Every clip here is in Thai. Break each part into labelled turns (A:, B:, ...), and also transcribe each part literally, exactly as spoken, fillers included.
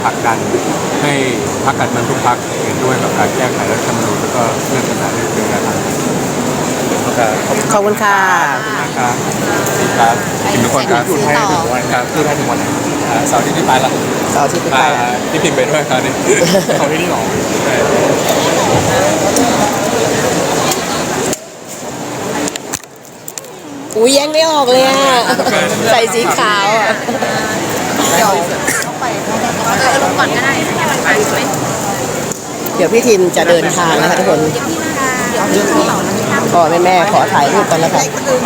A: ผลักดันให้พรรคการเมืองทุกพรรคเห็นด้วยกับการแก้ไขรัฐธรรมนูญแล้วก็เรื่องปัญหาเรื่องเกิดการ
B: ขอบคุณค่ะ
A: นะครับครับทีมทุกคนครับอยู่ไทยถึงวันครับอยู่ไทยถึงวันไหนเสาร์ที่ที่ไปละ
B: เสาร์อาที่ไปไปละ
A: ที่พิมพ์ไปด้วยครับนี่เขาที่นี่หรอ
B: อุ้ยแยงไม่ออกเลยอ่ะใส่สีขาวอ่ะเดี๋ยวลงก่อนก็ได้เดี๋ยวพี่ทิมจะเดินทางนะคะทุกคนขอแม่แม่ขอถ่ายรูปกันนะคะ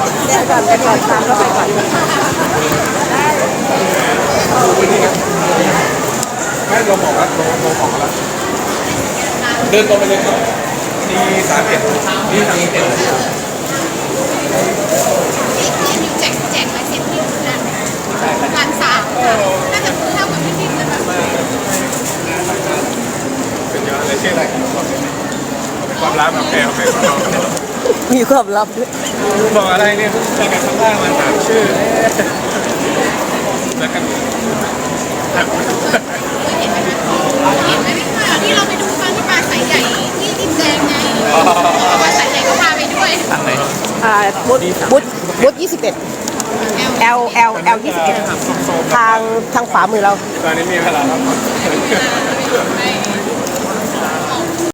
A: ไม่เราบอกว่าเราเราบอกแล้วเดินตรงไปเลยครับนี่สามเอ็ดนี่สามเอ็ด
C: แจกแจกลายเซ็นที่นั่นงานสามน่าจะเท่ากับพี่ทิมเลยแบบ
A: เป็นเยอะเลยชื่ออะไรเป็นความลับโอเคโอเค
B: มีความลับด้วย
A: บอกอะไรเนี่ยใช้กันข้างล่างมาถามชื่อแล้วกัน
C: เห็นไหมเห็นไหมที่เราไปดูตอนที่ปลาสายใหญ่ที่ดินแดงไงปลาสายใหญ่ก็พาไปด้วย
A: ทางไหน
B: อ่าบุ๊ดบุ๊ดบุ๊ดยี่สิบเอ็ด L L L ยี่สิบเอ็ดทางทางขวามือเรา
A: ตอนนี้มีเวลาแล้ว